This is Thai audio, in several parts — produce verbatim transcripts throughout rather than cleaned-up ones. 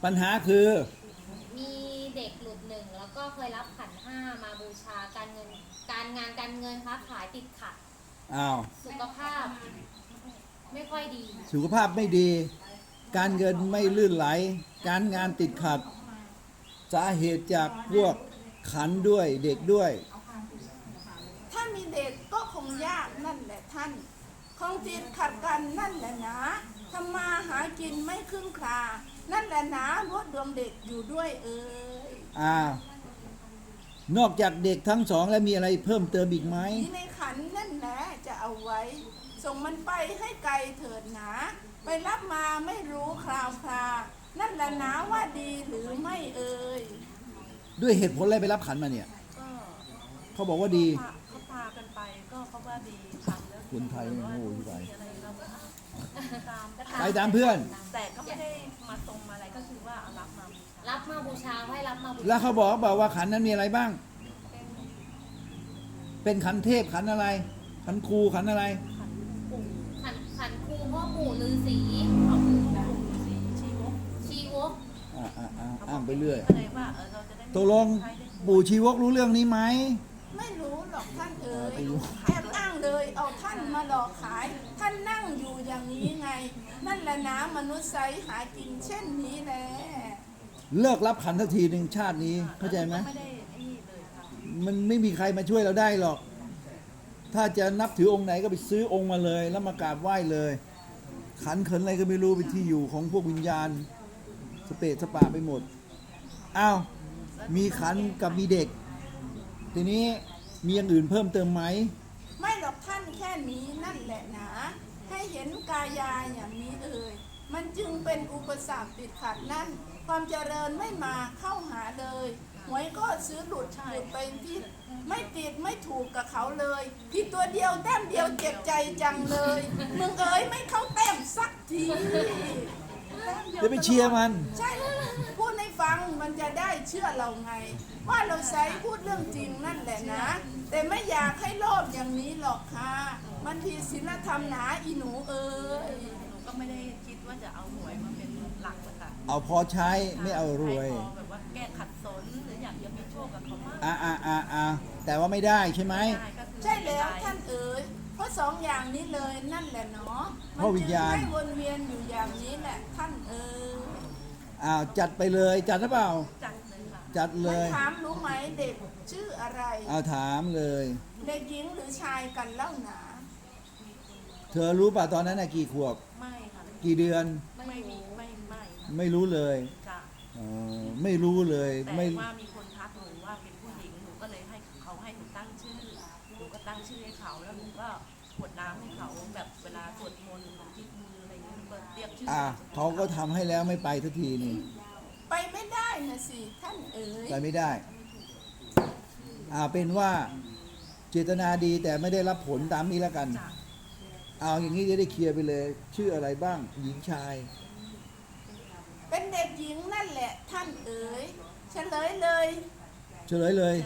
ปัญหาคือมีเด็กหลุดหนึ่งแล้วก็เคยรับขันห้ามาบูชาการเงินการงานการเงินค้าขายติดขัดอ้าวสุขภาพไม่ค่อยดีสุขภาพไม่ดี การเงินไม่ลื่นไหล การงานติดขัด สาเหตุจากพวกขันด้วยเด็กด้วยถ้ามีเด็กก็คงยากนั่นแหละท่านคงจิตขัดกันนั่นแหละนะทำมาหากินไม่ครึ่งครานั่นแหละนะรวดดวงเด็กอยู่ด้วยเอ่ยอ้าว นอกจากเด็กทั้งสองแล้วมีอะไรเพิ่มเติมอีกไหมมีในขันนั่นแหละจะเอาไว้ ส่งมันไปให้ไกลเถิดหนาไปรับมาไม่รู้คราวครานั่นแหละนะว่าดีหรือไม่เอ่ยด้วยเหตุผลอะไรไปรับขันมาเนี่ยก็เขาบอกว่าดีพาเขาพากันไปก็เพราะว่าดีทำแล้วคนไทยไม่โง่ที่ไหนมีอะไรเราก็ตามไปตามเพื่อนแต่ก็ไม่ได้มาตรงมาอะไรก็คือว่าเอารับมาบูชารับมาบูชาให้รับมาบูชาแล้วเขาบอกบอกว่าขันนั้นมีอะไรบ้างเป็นเป็นขันเทพขันอะไร ขันครูขันอะไรขันปู่ขันขันครูพ่อปู่ฤาษีเอาปู่สีชีวกชีวกอ่าอ่าอ่าอ้างไปเรื่อยก็เลยว่าเออเราจะได้ตกลงปู่ชีวกรู้เรื่องนี้ไหมไม่รู้หรอกท่านเอ๋ยไม่รู้แอบอ้างเลยเอาท่านมาหลอกขาย ท่านนั่งอยู่อย่างนี้ไง นั่นแหละนะมนุษย์ไซหากินเช่นนี้แหละเลิกรับขันทันทีหนึ่งชาตินี้เข้าใจไหมไม่ได้ไอ้นี่เลยค่ะมันไม่มีใครมาช่วยเราได้หรอก ถ้าจะนับถือองค์ไหนก็ไปซื้อองค์มาเลย แล้วมากราบไหว้เลย ขันเขินอะไรก็ไม่รู้เป็นที่อยู่ของพวกวิญญาณ สเปะสปะไปหมด อ้าว มีขันกับมีเด็ก ทีนี้มีอย่างอื่นเพิ่มเติมไหมไม่หรอกท่านแค่นี้นั่นแหละนะให้เห็นกายาอย่างนี้เอ่ยมันจึงเป็นอุปสรรคติดขัดนั่น ความเจริญไม่มาเข้าหาเลยหวยก็ซื้อหลุดหลุดไปที่ไม่ติดไม่ถูกกับเขาเลยผิดตัวเดียวแต้มเดียวเจ็บใจจังเลยมึงเอ๋ยไม่เข้าแต้มสักทีแต้มดีวจะไปเชียร์มันใช่พูดให้ฟังมันจะได้เชื่อเราไง ว่าเราใช้พูดเรื่องจริงนั่นแหละนะ แต่ไม่อยากให้โลภอย่างนี้หรอกค่ะมันผิดศีลธรรมหนาอีหนูเอ้ยหนูก็ไม่ได้คิดว่าจะเอาหวยมาเป็นหลักนะคะเอาพอใช้ไม่เอารวยให้พอแบบว่าแก้ขัดสนหรืออยากจะมีโชคกับเขามากอ่าอ่าอ่าอ่าแต่ว่าไม่ได้ใช่ไหมได้ก็คือใช่แล้วท่านเอ๋ยเพราะสองอย่างนี้เลยนั่นแหละเนาะเพราะวิญญาณมันจึงให้วนเวียนอยู่อย่างนี้แหละท่านเอ๋ยอ้าวจัดไปเลย จัดหรือเปล่าจัดเลยค่ะจัดเลมันยถามรู้ไหมเด็กชื่ออะไรเอาถามเลยเด็กหญิงหรือชายกันเล่าหนาเธอรู้ป่ะตอนนั้นน่ะกี่ขวบไม่ค่ะกี่เดือนไม่มีไม่ไม่ค่ะไม่รู้เลยจ้ะเออไม่รู้เลยแต่ไม่ว่ามีคนทักหนูว่าเป็นผู้หญิงหนูก็เลยให้เขาให้หนูตั้งชื่อหนูก็ตั้งชื่อให้เขาแล้วหนูก็กรวดน้ำให้เขาแบบเวลาสวดมนต์หนูจิกมืออะไรอย่างเงี้ยหนูก็เรียกชื่ออ่ะเขาก็ทำให้แล้วไม่ไปทันทีนี่ไปไม่ได้นะสิท่านเอ๋ยไปไม่ได้ อ่าเป็นว่าเจตนาดีแต่ไม่ได้รับผลตามนี้แล้วกันจ้ะเอาอย่างนี้จะได้เคลียร์ไปเลย ชื่ออะไรบ้าง หญิงชายเป็นเด็กหญิงนั่นแหละท่านเอ๋ยเฉลยเลยเฉลยเลย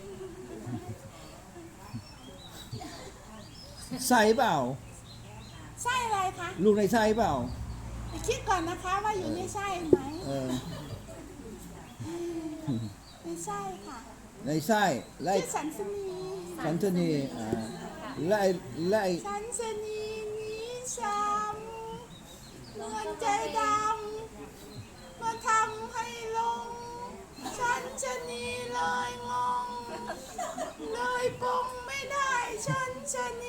ไส้เปล่าไส้อะไรคะลูกในไส้เปล่าไปคิดก่อนนะคะว่าอยู่ในไส้ไหมเออในไส้ค่ะในไส้และชื่อสันสนีสันชนีอ่าและไอ้และไอ้สันสนีนี้ซ้ำเงินใจดำมาทำให้ลงสันชนีเลยงงเลยปงไม่ได้สันชนี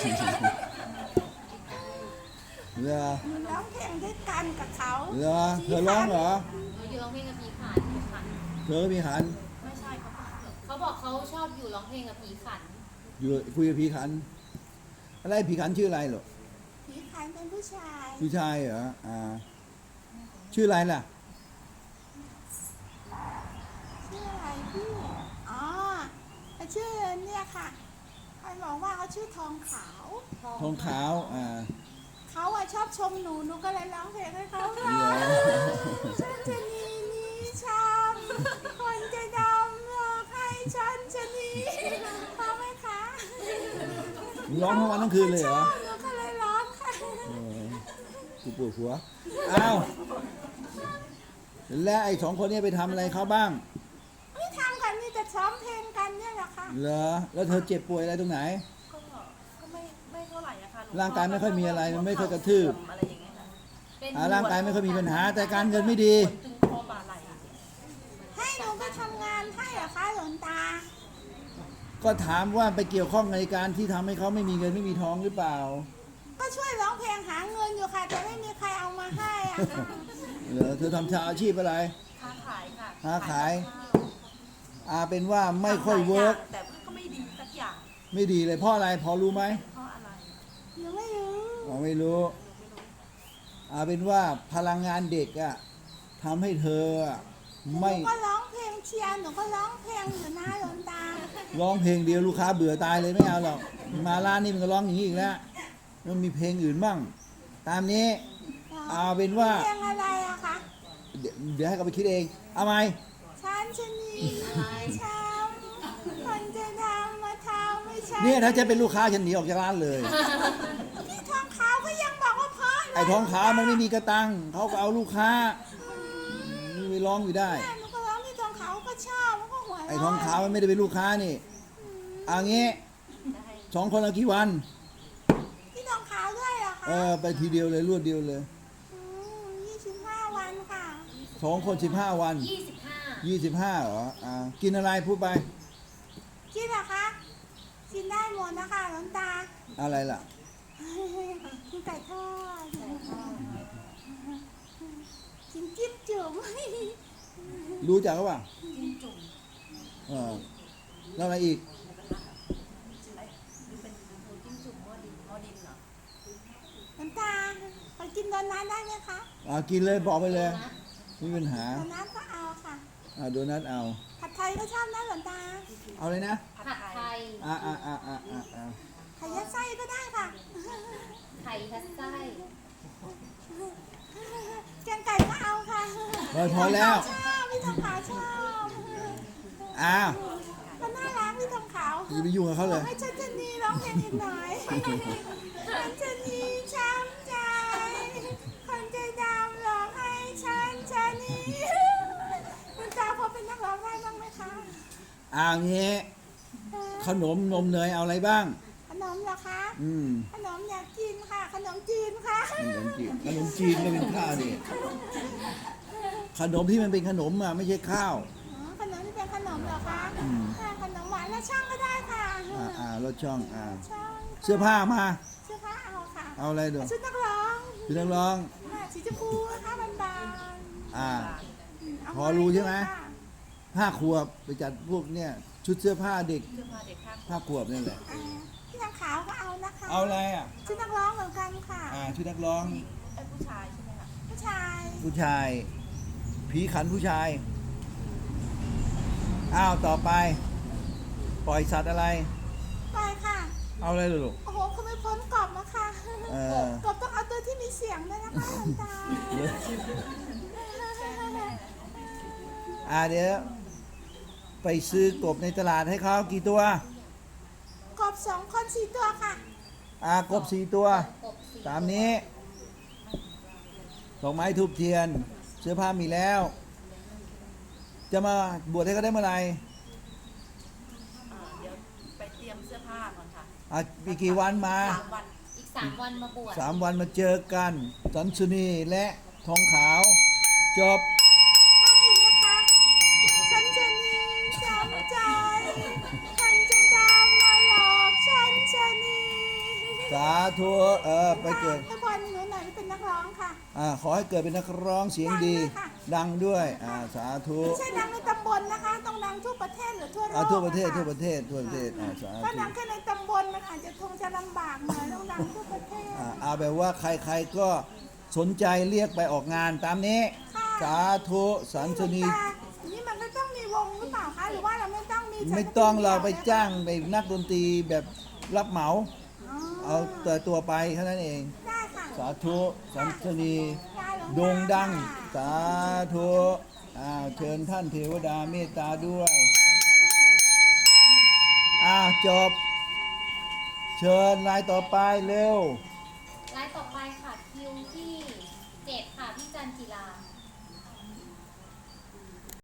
เหรอมันร้องเพลงด้วยกันกับเขาเหรอเธอร้องเหรอเราอยู่ร้องเพลงกับผีขันผีขันเธอก็มีขันไม่ใช่เขาก็เขาบอกเขาชอบอยู่ร้องเพลงกับผีขันอยู่คุยกับผีขัน อะไรผีขันชื่ออะไรหรอผีขันเป็นผู้ชายผู้ชายเหรออ่าชื่ออะไรล่ะชื่ออะไรพี่อ๋อชื่อเนี่ยค่ะใครบอกว่าเขาชื่อทองขาวทองขาวอ่าเขาอะชอบชมหนูหนูก็เลยร้องเพลงให้เขาฟังเหรอฉันจะนีนี้ช้ำคนจะดำหลอกให้ฉันจะหนีพอไหมคะร้องทั้งวันทั้งคืนเลยเหรอชอบหนูก็เลยร้องค่ะเออกูปวดหัวอ้าวและไอ้สองคนเนี้ไปทำอะไรเขาบ้างไม่ทำกันนี่จะซ้อมเพลงกันเนี่ยแหละค่ะเหรอแล้วเธอเจ็บป่วยอะไรตรงไหนก็ก็ไม่ไม่เท่าไหร่อะค่ะหลวงพ่อร่างกายไม่ค่อยมีอะไรมันไม่ค่อยกระทืบอะไรอย่างเงี้ยค่ะเป็นอ่าร่างกายไม่ค่อยมีปัญหาแต่การเงินไม่ดีตึงคอบ่าไหล่ให้หนูไปทำงานให้เหรอคะหลวงตาก็ถามว่าไปเกี่ยวข้องในการที่ทำให้เขาไม่มีเงินไม่มีทองหรือเปล่าก็ช่วยร้องเพลงหาเงินอยู่ค่ะแต่ไม่มีใครเอามาให้อะค่ะเหรอเธอทำชาอาชีพอะไรค้าขายค่ะค้าขายข้วอาเป็นว่าไม่ค่อยเวิร์กแต่ก็ไม่ดีสักอย่างไม่ดีเลยเพราะอะไรพอรู้ไหมเพราะอะไรหนูไม่รู้อ๋อไม่รู้อาเป็นว่าพลังงานเด็กอะทำให้เธออะหนูไม่ก็ร้องเพลงเชียร์หนูก็ร้องเพลงอยู่นะหลวงตาร้องเพลงเดียวลูกค้าเบื่อตายเลยไม่เอาหรอกมาร้านนี้มันก็ร้องอย่างนี้อีกแล้วมันมีเพลงอื่นบ้างตามนี้เอาเป็นว่าเพลงอะไรอะคะเดี๋ยวเดี๋ยวให้เขาไปคิดเองเอาไหมฉันชะนีช้ำคนจะทำมาทำไม่ใช่เนี่ยถ้าจะเป็นลูกค้าฉันหนีออกจากร้านเลยพี่ทองขาวก็ยังบอกว่าเพราะเลยไอ้ท้องขาวมันไม่มีกระตังเขาก็เอาลูกค้าไปร้องอยู่ได้แม่หนูก็ร้องพี่ทองขาวก็ชอบมันก็หัวเราะไอ้ท้องขาวมันไม่ได้เป็นลูกค้านี่เอางี้จะให้สองคนเอากี่วันพี่ทองขาวด้วยเหรอคะเออไปทีเดียวเลยรวดเดียวเลยยี่สิบห้าวันค่ะสองคนสิบห้าวันยี่สิบห้ายี่สิบห้าเหรออ่ากินอะไรพูดไปกินเหรอคะกินได้หมดนะคะหลวงตาอะไรล่ะกินไก่ทอดกินจิ้มจุ่มรู้จักหรือเปล่าจิ้มจุ่มเออแล้วอะไรอีกไอ้หรือเป็นหมูจิ้มจุ่มหม้อดินหม้อดินเหรอหลวงตาขอกินโดนัทได้ไหมคะอ่ากินเลยบอกไปเลยไม่มีปัญหาโดนัทก็เอาค่ะอ่าโดนัทเอาผัดไทยก็ชอบนะหลวงตาเอาเลยนะผัดผัดไทไทยยอ่าอ่าอ่าอ่าอ่าอ่าไข่ยัดไส้ก็ได้ค่ะไข่ทัดไส้แกงไก่ก็เอาค่ะพอพอแล้วชอบพี่ทองขาวชอบอ้าวมันน่ารักพี่ทองขาวอย่าไปยุ่งกับเขาเลยให้ฉันจะนีร้องเพลงอีกหน่อยฉันจะนีช้ำใจคนใจดำร้องให้ฉันจะนีคุณตาพอเป็นนักร้องได้บ้างไหมคะอ่างี้เออขนมนมเนยเอาอะไรบ้างขนมเหรอคะอืมขนมอยากกินค่ะ ขนมจีนค่ะขนมจีนขนมจีนก็เป็นข้าวนี่ขนมที่มันเป็นขนมอ่ะไม่ใช่ข้าวอ๋อขนมที่เป็นขนมเหรอคะอืมค่ะขนมหวานและช่างก็ได้ค่ะอ่าอ่ารถช่องอ่าช่างเสื้อผ้ามาเสื้อผ้าเอาค่ะเอาอะไรดูชุดนักร้องพี่นักร้องค่ะสีชมพูนะคะบานบานอ่าๆเาพอรู้ใช่ไหมค่ะห้าขวบไปจัดพวกเนี่ยชุดเสื้อผ้าเด็กเสื้อผ้าเด็กข้างห้าขวบนี่แหละอ่าพี่ทางขาวก็เอานะคะเอาอะไรอ่ะชุดนักร้องเหมือนกันค่ะอ่าชุดนักร้องผู้หญิงไอ้ผู้ชายใช่ไหมคะผู้ชายผู้ชาย ผีขันผู้ชาย อ้าวต่อไป ปล่อยสัตว์อะไรไปค่ะเอาอะไรลูกโอ้โหคุณไม่พ้นกรอบนะคะเออกรอบต้องเอาตัวที่มีเสียงด้วยนะคะหลวงตาอ่าเดี๋ยวไปซื้อกบในตลาดให้เขากี่ตัวกรอบสองคนสี่ตัวค่ะอ่ากบสี่ตัวกบสีตามนี้ดอกไม้ทูบเทียน เสื้อผ้ามีแล้ว จะมาบวชให้เขาได้เมื่อไหร่อ่าเดี๋ยวไปเตรียมเสื้อผ้าก่อนค่ะอ่ะมีกี่วันมาสามวันอีกสามวันมาบวชสามวันมาเจอกันสันสุนีและทองขาว จบต้องอีกไหมคะ ฉันจะนีช้ำใจคนใจดำมาหลอกฉันจะนีสาธุเออไปเกิดให้พรหนูหน่อยที่เป็นนักร้องค่ะอ่าขอให้เกิดเป็นนักร้องเสียงดี ดังด้วยอ่าสาธุไม่ใช่ดังในตำบลนะคะ ต้องดังทั่วประเทศหรือทั่วโลกอ่าทั่วประเทศนคทั่วประเทศทั่วประเทศอ่าสาถ้าธุดังแค่ในตำบลมันอาจจะคงจะลำบากหน่อยต้องดังทั่วประเทศอ่าเอาแบบว่าใครๆก็สนใจเรียกไปออกงานตามนี้ค่ะสาธุสันสุนีแต่นี่มันก็ต้องมีวงหรือเปล่าคะ หรือว่าเราไม่ต้องมีไม่ต้องเราไปจ้างไปนักดนตรีแบบรับเหมาอ๋อเอาแต่ตัวไปแค่นั้นเองได้ค่ะสาธุสันสุนีได้หลวงตาโด่งดังค่ะสาธุอ้าวเชิญท่านเทวดาเมตตาด้วยอ้าวจบ เชิญรายต่อไปเร็ว